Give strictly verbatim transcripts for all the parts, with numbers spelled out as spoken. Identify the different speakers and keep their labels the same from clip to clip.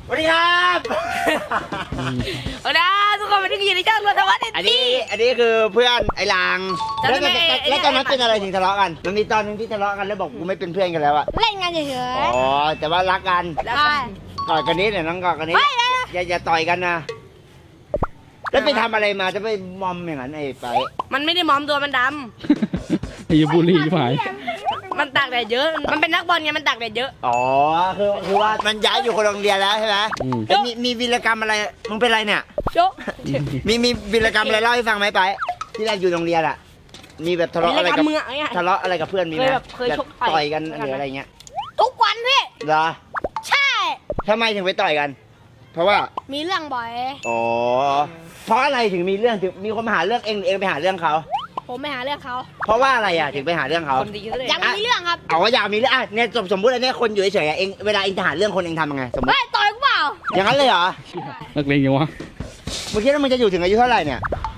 Speaker 1: สวัสดีครับ
Speaker 2: เอาละทุกคนมาที่อยู่ในช่องรถทวัฒน์
Speaker 1: อันนี้อันนี้คือเพื่อนไอ้ลาง
Speaker 2: จำ
Speaker 1: แล้ว
Speaker 2: ได้
Speaker 1: ต
Speaker 2: ไหม
Speaker 1: อนแล้วตอนนั้นเป็นอะไรถึงทะเลาะกันมันมีตอนนึงที่ทะเลาะกันแล้วบอกกูไม่เป็นเพื่อนกันแล้วอะ
Speaker 3: เล่นกันเฉย
Speaker 1: อ๋อแต่ว่ารักกัน
Speaker 3: ๆ
Speaker 2: แล้ว
Speaker 3: ใช่
Speaker 1: ต่อยกันนี้เนี่ยน้องกอดกันนี้อย่าอย่าต่อยกันนะแล้วไปทำอะไรมาจะไปมอมอย่างนั้นไอ้ไป
Speaker 2: มันไม่ได้มอมตัวมันด
Speaker 4: ไอ้บุรีผาย
Speaker 2: ำมันตากแดดเยอะ มันเป็นนักบอลไงมันตากแดดเยอะ
Speaker 1: อ๋อคือคือว่ามันย้ายอยู่คนละโรงเรียนแล้วใช่ไหม
Speaker 4: อืม
Speaker 1: แล้วมีมีวีรกรรมอะไรมึงเป็นไรเนี่ย
Speaker 2: โจ๊ะ
Speaker 1: มีมีวีรกรรมอะไรเล่าให้ฟังไหมไปที่เราอยู่โรงเรียนอะมีแบบทะเลาะอะไรกับ
Speaker 2: มึงอะไอ้
Speaker 1: ทะเลาะอะไรกับเพื่อนมีไหม
Speaker 2: เคยแบบเคยชกต่อย
Speaker 1: ต่อยกันหรืออะไรเงี้ย
Speaker 3: ทุกวันพี่
Speaker 1: เหรอ
Speaker 3: ใช่
Speaker 1: ทำไมถึงไปต่อยกัน เพราะว่า
Speaker 3: มีเรื่องบ่อย
Speaker 1: อ๋อเพราะอะไรถึงมีเรื่องถึงมีคนมาหาเรื่องเองหรือเองไปหาเรื่องเขา
Speaker 3: ผมไปหาเรื่องเขา
Speaker 1: เพราะว่าอะไรอ่ะถึงไปหาเรื่องเขา
Speaker 2: คนดีซะเลย
Speaker 3: ยังมีเรื่องครับ
Speaker 1: เอาว่าอยากมีเรื่องอ่ะเนี่ยสมสมมติอันเนี้ยคนอยู่เฉยๆอ่ะเองเวลาเองจะหาเรื่องคนเองทำยังไงสมมติ
Speaker 3: เฮ้ยต่อยกูเปล่า
Speaker 1: อย่างนั้นเลยเหรอ
Speaker 4: นักเลงยังวะ
Speaker 1: เมื่อกี้แล้วมันจะอยู่ถึงอายุเท่าไหร่เนี่ย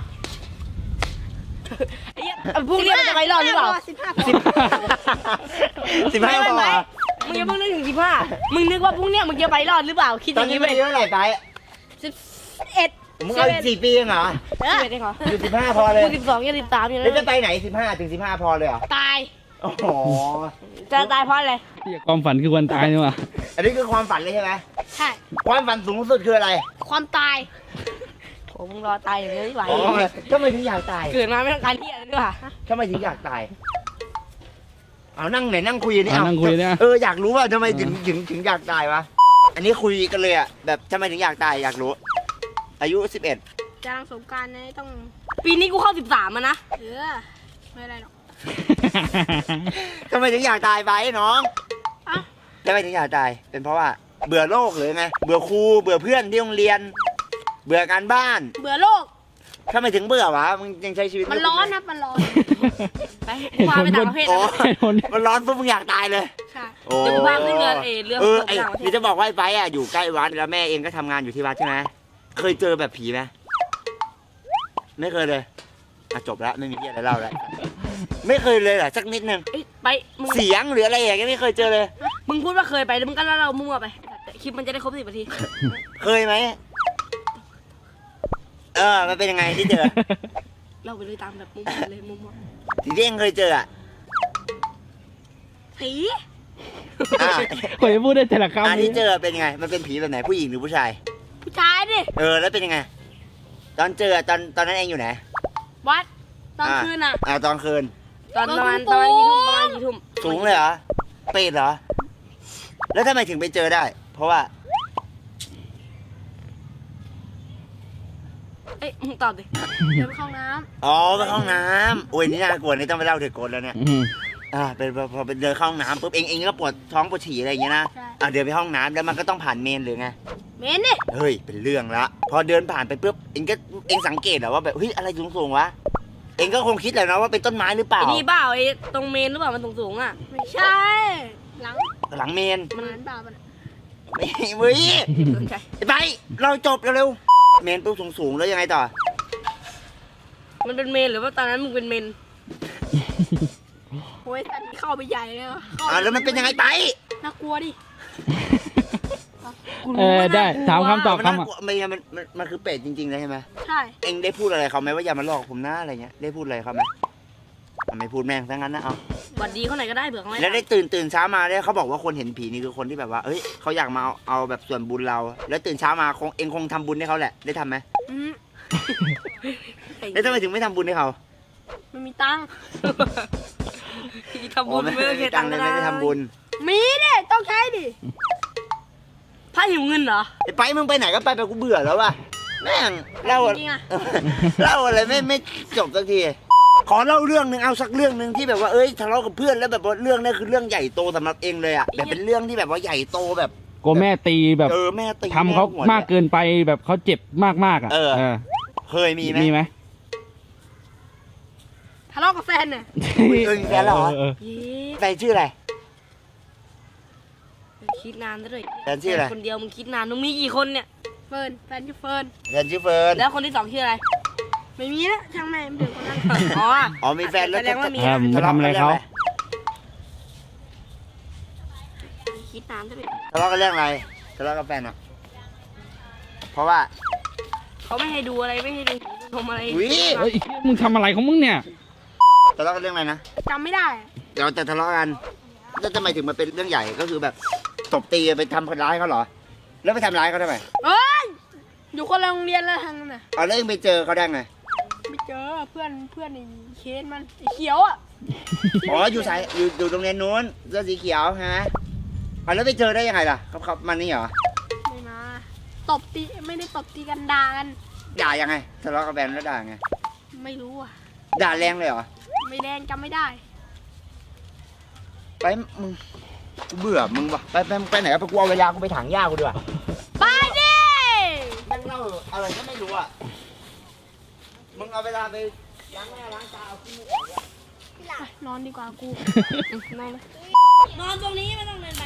Speaker 2: ไอ้เหี้ยพรุ่งนี้มันจะไปรอดหรือเปล่า
Speaker 3: สิบห้า
Speaker 1: สิบสิบห้าพอเหรอ
Speaker 2: มึงอย่าเพิ่งนึกถึงสิบห้ามึงนึกว่าพรุ่งเนี้ยมึงจะไปรอดหรือเปล่า คิดอ
Speaker 1: ตอน
Speaker 2: ย่าง
Speaker 1: นี้
Speaker 2: นี้
Speaker 1: มัน
Speaker 2: ไป
Speaker 1: อายุเท่าไหร่ไป
Speaker 3: สิบเอ็ด
Speaker 1: มึงเอาอีกสี่ปีเองเหรอ
Speaker 3: เอ
Speaker 2: สิ
Speaker 3: อบ
Speaker 2: เอ็ดเองเหรอ
Speaker 1: อยู่สิบห้าพอเลย
Speaker 2: กูสิบสองยังสิบสามอยู่
Speaker 1: แล้วจะ
Speaker 2: นะ
Speaker 1: ไปไหนสิบห้าถึงสิบห้าพอเลยเหรอ
Speaker 3: ตาย
Speaker 1: โอ้โห
Speaker 2: จะตายเพราะอะไร
Speaker 4: เหี้ยความฝันคือวันตายนี่วะ
Speaker 1: อันนี้คือความฝันเลยใช่ไหม
Speaker 3: ใช่
Speaker 1: ความฝันสูงสุดคืออะไร
Speaker 3: ความตาย
Speaker 2: โอ้มึงรอตายอย่างเดียวไม่ไหว
Speaker 1: อ๋อทำไมถึงอยากตาย
Speaker 2: เกิดมาไม่ต้องการที่อะไรด้วย
Speaker 1: ทำไมถึงอยากตาย เอานั่งไหนนั่งคุยนี่
Speaker 4: อ่ะ
Speaker 1: เอา
Speaker 4: นั่งคุยเนี่ย
Speaker 1: เอออยากรู้ว่าทำไมถึงถึงถึงอยากตายวะ อันนี้คุยกันเลยอ่ะแบบทำไมถึงอยากตายอยากรู้ อายุสิบเอ็ด
Speaker 3: จะรังสงกรารนะต้อง
Speaker 2: ปีนี้กูเข้าสิบสามอะนะ
Speaker 3: เออไม่เป็นไรหรอก
Speaker 1: ทำไมถึงอยากตายไปน้อง
Speaker 3: อ่ะ
Speaker 1: ทำไมถึงอยากตาย เป็นเพราะว่าเบื่อโลกหรือไง เบื่อครู เบื่อเพื่อนที่โรงเรียน เบื่อการบ้าน
Speaker 3: เบื่อโลก
Speaker 1: ทำไมถึงเบื่อวะ มึงยังใช้ชีวิต
Speaker 3: มันร้อนนะมันร้อน
Speaker 2: ไปพาไปต่างประเทศ
Speaker 1: โอ้
Speaker 2: นะ
Speaker 1: มันร้อนปุ๊บมึงอยากตายเลย
Speaker 3: ใช่
Speaker 1: โอ้
Speaker 2: เดี๋ยวกูพาขึ้นเรือเอเรือ
Speaker 1: เออไอ้
Speaker 2: ต่างประเทศ
Speaker 1: นี่จะบอกว่าไอ้ไปอ่ะอยู่ใกล้วัดแล้วแม่เองก็ทำงานอยู่ที่วัดใช่ไหมเคยเจอแบบผีไหมไม่เคยเลยอ่ะจบแล้วไม่มีเรื่องอะไรเล่าแล้วไม่เคยเลยเหรอสักนิดนึง
Speaker 2: เอ้ยไปมึง
Speaker 1: เสียงหรืออะไรอย่างเงี้ยไม่เคยเจอเลย
Speaker 2: มึงพูดว่าเคยไปแล้วมึงก็เล่าเรามั่วไปคลิปมันจะได้ครบสิบนาที
Speaker 1: เคยไหมเออมันเป็นยังไงที่เจอ
Speaker 2: เล่าไปเลยตามแบบมั่วเลยมั่ว
Speaker 1: ที่ที่เองเคยเจออ่ะ
Speaker 2: ผี
Speaker 1: อ่ะ
Speaker 4: คนจะพูดได้แต่ละคำ
Speaker 1: อันที่เจอเป็นยังไง มันเป็นผีแบบไหนผู้หญิงหรือผู้ชาย
Speaker 3: ผู้ชายดิ
Speaker 1: เออแล้วเป็นยังไง ตอนเจอตอนตอนนั้นเองอยู่ไหน
Speaker 3: วัดตอนคืนอ่ะ
Speaker 1: อ่าตอนคืน
Speaker 2: ตอนประมาณประมาณกี่ทุ่มประมาณกี่ทุ่ม
Speaker 1: สูงเลยเหรอเปรตเหรอ แล้วทำไมถึงไปเจอได้ เพราะว่า
Speaker 2: เอ้ยมึงตอบดิ
Speaker 3: เดินไปเข้าห้องน้
Speaker 1: อ๋อไปเข้าห้องน้ำโอ้ยนี่น่ากลัวนี่ต้องไปเล่าเถอะโกนแล้วเนี่ย
Speaker 4: อืม
Speaker 1: อ่าเป็นพอพอไปเดินเข้าห้องน้ำปุ๊บเองเองก็ปวดท้องปวดฉี่อะไรอย่างเงี้ยนะ
Speaker 3: ำใช่
Speaker 1: อ่าเดินไปห้องน้ำแล้วมันก็ต้องผ่านเมนหรือไง
Speaker 3: เมนดิ
Speaker 1: เฮ้ยเป็นเรื่องละ พอเดินผ่านไปปุ๊บเองก็เองสังเกตเหรอว่าแบบเฮ้ยอะไรสูงๆวะ เองก็คงคิดแหละนะว่าเป็นต้นไม้หรือเปล่า
Speaker 2: ไอ้นี่เปล่าไอ้ตรงเมนหรือเปล่ามันสูงๆอ่ะ
Speaker 3: ไม่ใช่หลัง
Speaker 1: หลังเมน
Speaker 3: มันเหมือนเปล่ามัน
Speaker 1: ไม่เว้ย
Speaker 2: สนใจ
Speaker 1: ไปเราจบเร็วๆเมนปุ๊บสูงๆแล้วยังไงต่อ
Speaker 2: มันเป็นเมนหรือว่าตอนนั้นมึงเป็นเมน
Speaker 3: โอ้ยสันนี้เข้าไปใหญ่เลยอะเข้า
Speaker 1: อ่าแล้วมันเป็นยังไงไป
Speaker 3: น่ากลัวดิ
Speaker 4: เออได้ถามคำตอบ
Speaker 1: มัน
Speaker 4: คำ
Speaker 1: น่า
Speaker 4: อ่ะ
Speaker 1: กลัวมันมันมันมันคือเป็ดจริงๆเลยใช่ไหม
Speaker 3: ใช่
Speaker 1: เองได้พูดอะไรเขาไหมว่าอย่ามาหลอกผมนะอะไรเงี้ยได้พูดอะไรเขาไหมอ่ะไม่พูดแม่งซะงั้นนะเอา
Speaker 2: หวัดดีเขาไหนก็ได้เผื่อเขาไม่
Speaker 1: แล้วได้ตื่นตื่นเช้ามาเนี่ยเขาบอกว่าคนเห็นผีนี่คือคนที่แบบว่าเอ้ยเขาอยากมาเอาเอาแบบส่วนบุญเรา แล้วตื่นเช้ามาคงเองคงทำบุญให้เขาแหละได้ทำไหม
Speaker 3: อืม
Speaker 1: แล้วทำไมถึงไม่ทำบุญให้เขา
Speaker 3: ไม่มีตังค์
Speaker 2: ทำบุญ
Speaker 1: ไม่
Speaker 2: ไม่ต้อง
Speaker 1: ไม่
Speaker 2: เสีย
Speaker 1: ตั
Speaker 2: ตั
Speaker 1: ง
Speaker 2: ง
Speaker 1: ค์
Speaker 2: ค์
Speaker 1: เลย
Speaker 2: ก็
Speaker 1: ไม่ได้
Speaker 2: ได้
Speaker 1: ทำบุญ
Speaker 3: มีดิต้องใช้ดิ
Speaker 2: พระหิวเงินเหรอ
Speaker 1: ไอ้ไปมึงไปไหนก็ไปไปกูเบื่อแล้วว่ะแม่งเล่า
Speaker 3: จริงๆอะ
Speaker 1: เล่าอะไรไม่ไม่จบสักทีขอเล่าเรื่องหนึ่งเอาสักเรื่องหนึ่งที่แบบว่าเอ้ยทะเลาะกับเพื่อนแล้วแบบว่าเรื่องนี้คือเรื่องใหญ่โตสำหรับเองเลยอ่ะแบบเป็นเรื่องที่แบบว่าใหญ่โตแบบ
Speaker 4: กลัวแม่ตีแบบ
Speaker 1: เออแม่ตี
Speaker 4: ทำเขา
Speaker 1: แหัว
Speaker 4: มากเกินไปแบบเขาเจ็บมากๆอ่ะ
Speaker 1: เออ
Speaker 4: เออ
Speaker 1: เคยมีไหม
Speaker 4: มีไหม
Speaker 3: ทะเลาะกับแฟนเนี่ย
Speaker 1: อุ๊ยเออมีแฟนแล้วเหรอ
Speaker 4: เออ
Speaker 2: เย้
Speaker 1: แฟนชื่ออะไร
Speaker 2: คิดนานซะด้วย
Speaker 1: แฟนชื่ออะไร
Speaker 2: คนเดียวมึงคิดนานมึงมีกี่คนเนี่ย
Speaker 3: เฟิร์นแฟนชื่อเฟิร์น
Speaker 1: แฟนชื่อเฟิร์น
Speaker 2: แล้วคนที่สองชื่ออะไร
Speaker 3: ไม่มีนะช่างแม่งเด็กคนนั้น
Speaker 2: อ๋อ
Speaker 1: อ๋อมีแฟนแล้ว
Speaker 2: แสดงว่ามี
Speaker 4: เออมึงไปทำอะไรเขา
Speaker 2: คิดนานซะด้วย
Speaker 1: ทะเลาะกันเรื่องอะไรทะเลาะกับแฟนอ่ะเพราะว่า
Speaker 2: เขาไม่ให้ดูอะไรไม่ให้ดูชมอะไร
Speaker 1: อุ๊ย
Speaker 4: เฮ้ยมึงทำอะไรของมึงเนี่ย
Speaker 1: ทะเลาะกันเรื่องอะไรนะ
Speaker 3: จำไม่ได้อะ
Speaker 1: เดี๋ยวจะทะเลาะกันแล้วทำไมถึงมาเป็นเรื่องใหญ่ก็คือแบบตบตีไปทำร้ายเขาเหรอ แล้วไปทำร้ายเขาทำไม
Speaker 3: เอ้ยอยู่คนละโรงเรียนแล้วทางนั้นน่ะ
Speaker 1: เอาแล้วเองไปเจอเขาได้ไง
Speaker 3: ไม่เจอเพื่อนเพื่อนไอ้เคนมันไอ้เขียวอ่ะ
Speaker 1: อ๋ออยู่สายอยู่อยู่โรงเรียนนู้นเสื้อสีเขียวฮะเอาแล้วไปเจอได้ยังไงล่ะเขาเขามันนี่เหรอ
Speaker 3: ไม่มาตบตีไม่ได้ตบตีกันด่ากัน
Speaker 1: ด่ายังไงทะเลาะกับแฟนแล้วด่าไง
Speaker 3: ไม่รู้อ่ะ
Speaker 1: ด่าแรงเลยเหรอ
Speaker 3: ไม่แดงจำไม่ได้
Speaker 1: ไปมึงกูเบื่อมึงวะไปไปไปไหนไปกูเอาเวลากูไปถางหญ้ากูดีกว่า
Speaker 3: ไปดิ
Speaker 1: แม่งเล่าอะไรก็ไม่รู้อ่ะมึงเอาเวลาไปล้างหน้าล้างตาเอาขี้มูกออกอะ
Speaker 3: นอนดีกว่ากู นอนเลย
Speaker 2: นอนตรงนี้ไม่ต้องเดินไป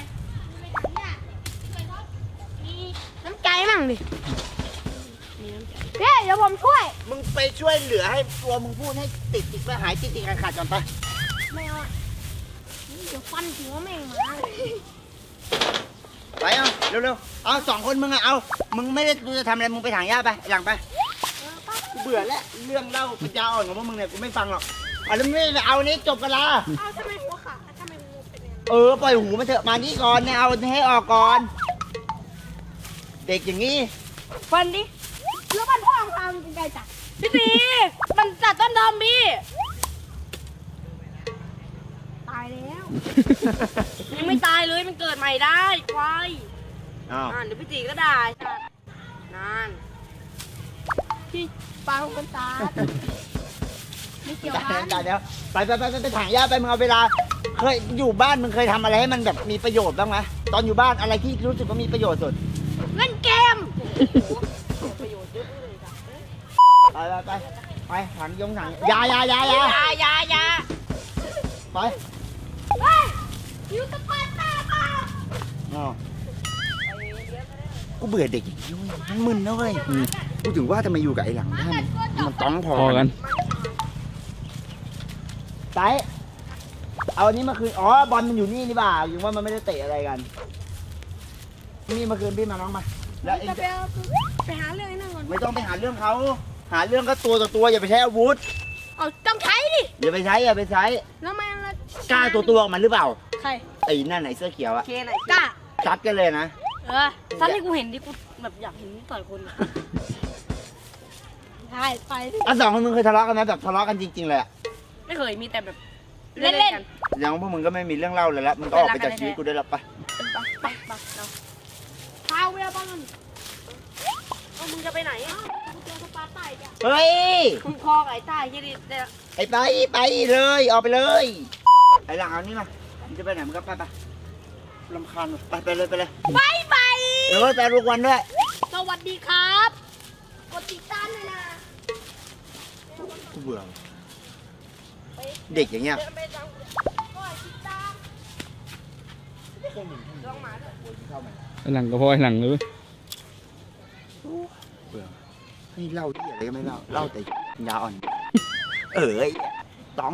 Speaker 3: น้ำใจมั่งดิเฮ้ยเดี๋ยวผมช่วย
Speaker 1: มึงไปช่วยเหลือให้ตัวมึงพูดให้ติดติดไปหายติดติดขาดขาดก่อนไป
Speaker 3: ไม่เอาอ่ะเดี๋ยวฟันหัวแม่งมา
Speaker 1: ไปเอาเร็วๆเอาสองคนมึงอะเอามึงไม่ได้กูจะทำอะไรมึงไปถางหญ้าไปหลังไปกูเบื่อแล้วเรื่องเล่าปัญญาอ่อนของพวกมึงเนี่ยกูไม่ฟังหรอกเอาแล้วไม่เอานี้จบกันละ
Speaker 3: เอาทำไมหัวขาดทำไมหัวเป็นอย่างนั้น
Speaker 1: เออปล่อยหูมาเถอะมานี่ก่อนเนี่ยเอาให้ออกก่อน เด็กอย่างนี้
Speaker 2: ฟันดิ
Speaker 3: แล้วมันพ่อของทางเป็นไงจัด
Speaker 2: พี่ตีมันจัดต้นทอมพี่
Speaker 3: ตายแล้ว
Speaker 2: ยังไม่ตายเลยมันเกิดใหม่ได้ควาย
Speaker 1: อ้าว
Speaker 2: อ่านเดี๋ยวพี่ตีก็ได้จัดนาน
Speaker 3: ที่ปลาของคนตาดไม่เกี่ยวกัน
Speaker 1: จ่ายแล้วไปไปไปไปถางหญ้าไปมึงเอาเวลาเคยอยู่บ้านมึงเคยทำอะไรให้มันแบบมีประโยชน์บ้างไหมตอนอยู่บ้านอะไรที่รู้สึกว่ามีประโยชน์สุด
Speaker 3: เล่นเกม
Speaker 1: ไปไปไปไปถางยงถางยายายายา
Speaker 2: อยาอยาอยา
Speaker 1: ไป
Speaker 3: เฮ้ยอยู่สปาร์ต้าเปล่า
Speaker 1: อ๋อกูเบื่อเด็กอย่างนี้เว้ยมันมึนนะเว้ยกูถึงว่าทำไมอยู่กับไอ้หลังบ้านมันต้องพอ
Speaker 4: พอกัน
Speaker 1: ไซเอาอันนี้มาคืนอ๋อบอลมันอยู่นี่นี่บ่าอยู่ว่ามันไม่ได้เตะอะไรกันนี่มาคืนพี่มาน้องมาแล้วเอง
Speaker 3: จะไป
Speaker 1: จะ
Speaker 3: เอาไปหาเรื่องไอ้นั่นก่อน
Speaker 1: ไม่ต้องไปหาเรื่องเขาหาเรื่องก็ตัวต่อตัวอย่าไปใช้อาวุธ
Speaker 3: เอาต้องใช้ดิ
Speaker 1: อย่าไปใช้อย่าไปใช้
Speaker 3: แล้วมันละ
Speaker 1: กล้าตัวตัวๆมันหรือเปล่า
Speaker 3: ใคร
Speaker 1: ไอ้นั่นไหนเสื้อเขียวอะ
Speaker 2: เคไหน
Speaker 3: กล้า
Speaker 1: ซัดกันเลยนะ
Speaker 3: เออ
Speaker 2: สั้นที่กูเห็นที่กูแบบอยากเห็นต่อยคนอะ
Speaker 3: ใช่ไปดิ
Speaker 1: อ่ะสองคนมึงเคยทะเลาะกันไหมแบบทะเลาะกันจริงๆเลยอะ
Speaker 2: ไม่เคยมีแต่แบบ
Speaker 3: เล่น
Speaker 2: กัน
Speaker 1: อย่างพวกมึงก็ไม่มีเรื่องเล่าเลยละมึงก็ออกไปจากชีวิตกูได้แล้วปะ
Speaker 2: ปักปักปักเรา
Speaker 3: พาเวลาบ้าง
Speaker 2: เอามึงจะไปไหนอะ
Speaker 3: กูเจอสปาร์ต้าอีกอ่ะ
Speaker 1: เฮ้ย
Speaker 2: คุณคอกับไอ้ต้ายี่ดิเนี่ย
Speaker 1: ไอ้ไปไปเลยออกไปเลยไอ้หลังเอานี่มามึงจะไปไหนมึงก็ไปไปลำคาญว่ะไปไปเลยไปเลย
Speaker 3: บายบาย
Speaker 1: เดี๋ยวไปทุกวันด้วย
Speaker 3: สวัสดีครับ กดติดตามเลยนะ
Speaker 1: กูเบื่อเด็กอย่างเงี้ย
Speaker 3: กดติดตาม
Speaker 4: หลังก็พอหลังเลย
Speaker 1: เบื่อให้เล่าที่อะไรก็ไม่เล่าเล่าแต่ยาอ่อน เออไอ้ต้อง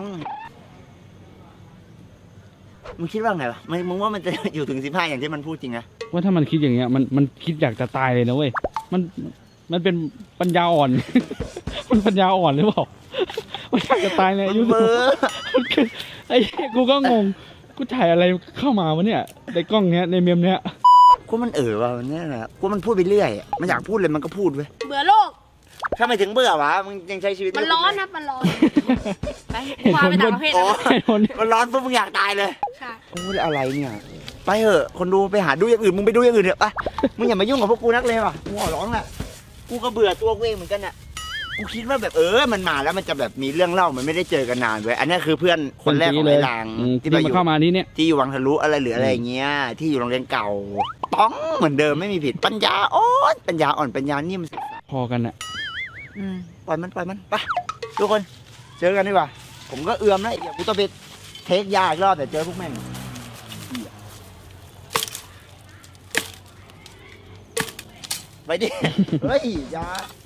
Speaker 1: มึงคิดว่าไงวะมึงมึงว่ามันจะอยู่ถึงสิบห้าอย่างที่มันพูดจริงนะ
Speaker 4: ว่าถ้ามันคิดอย่างเงี้ยมันมันคิดอยากจะตายเลยนะเว้ยมันมันเป็นปัญญาอ่อน มันปัญญาอ่อนหรือเปล่ามันอยากจะตายในอายุ
Speaker 1: มันเบอร์
Speaker 4: มันคือไอ้เหี้ยกูก็งงกูถ่ายอะไรเข้ามาวะเนี่ยในกล้องเนี้ยในเมมเนี้ย
Speaker 1: กูมันเออว่ะมันเนี่ยนะกูมันพูดไปเรื่อยอะมันอยากพูดเลยมันก็พูดเว้ย
Speaker 3: เบื่อโลก
Speaker 1: ทำไมถึงเบื่อวะมึงยังใช้ชีวิต
Speaker 3: มันร้อนครับมันร้อน
Speaker 2: ไปกูพาไปต่างประเทศ
Speaker 1: อ๋อ
Speaker 2: นะ
Speaker 4: ไอ้คน
Speaker 1: มันร้อนปุ๊บมึงอยากตายเลย
Speaker 3: ใช่
Speaker 1: โอ้ยอะไรเนี่ยไปเถอะคนดูไปหาดูอย่างอื่นมึงไปดูอย่างอื่นเถอะไปมึงอย่ามายุ่งกับพวกกูนักเลยว่ะกูขอร้องแหละกูก็เบื่อตัวกูเองเหมือนกันน่ะกูคิดว่าแบบเออมันมาแล้วมันจะแบบมีเรื่องเล่ามันไม่ได้เจอกันนานเว้ยอันนี้คือเพื่อนคนแรกของไอ้ลาง
Speaker 4: อืม
Speaker 1: ที่
Speaker 4: ที่
Speaker 1: มาอ
Speaker 4: มา
Speaker 1: ยู่
Speaker 4: เข้ามานี้เนี่ย
Speaker 1: ที่อยู่วังทะลุอะไรหรืออะไรอย่างเงี้ยที่อยู่โรงเรียนเก่าต้องเหมือนเดิมไม่มีผิดปัญญาอ่อนปัญญาอ่อนปัญญานิ่มสุด
Speaker 4: พอกันอะ
Speaker 1: อืมปล่อยมันปล่อยมันไปทุกคนเจอกันดีกว่าผมก็เอือมนะเดี๋ยวกูต้องไปเทคยาอีกรอบแต่เจอพวกแม่งไปดิ เฮ้ยอยา